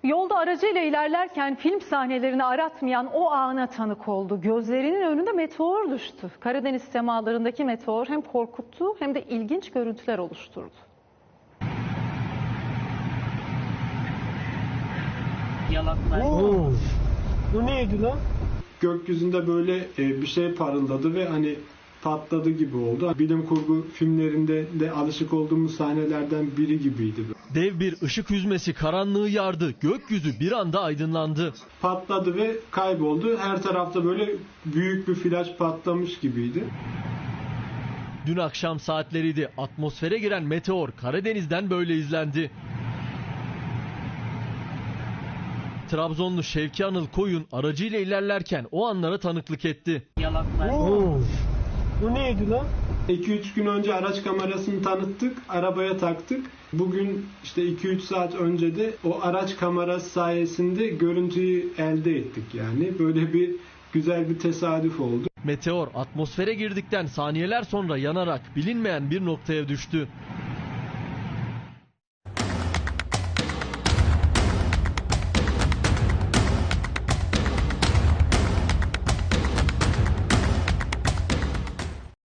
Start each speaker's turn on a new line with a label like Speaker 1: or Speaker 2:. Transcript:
Speaker 1: Yolda aracıyla ilerlerken film sahnelerini aratmayan o ana tanık oldu. Gözlerinin önünde meteor düştü. Karadeniz semalarındaki meteor hem korkuttu hem de ilginç görüntüler oluşturdu.
Speaker 2: Bu neydi lan?
Speaker 3: Gökyüzünde böyle bir şey parıldadı ve hani patladı gibi oldu. Bilim kurgu filmlerinde de alışık olduğumuz sahnelerden biri gibiydi.
Speaker 4: Dev bir ışık hüzmesi karanlığı yardı. Gökyüzü bir anda aydınlandı.
Speaker 3: Patladı ve kayboldu. Her tarafta böyle büyük bir flash patlamış gibiydi.
Speaker 4: Dün akşam saatleriydi. Atmosfere giren meteor Karadeniz'den böyle izlendi. Trabzonlu Şevki Anıl Koyun aracıyla ilerlerken o anlara tanıklık etti.
Speaker 2: Bu neydi lan?
Speaker 3: 2-3 gün önce araç kamerasını tanıttık, arabaya taktık. Bugün işte 2-3 saat önce de o araç kamerası sayesinde görüntüyü elde ettik yani. Böyle bir güzel bir tesadüf oldu.
Speaker 4: Meteor atmosfere girdikten saniyeler sonra yanarak bilinmeyen bir noktaya düştü.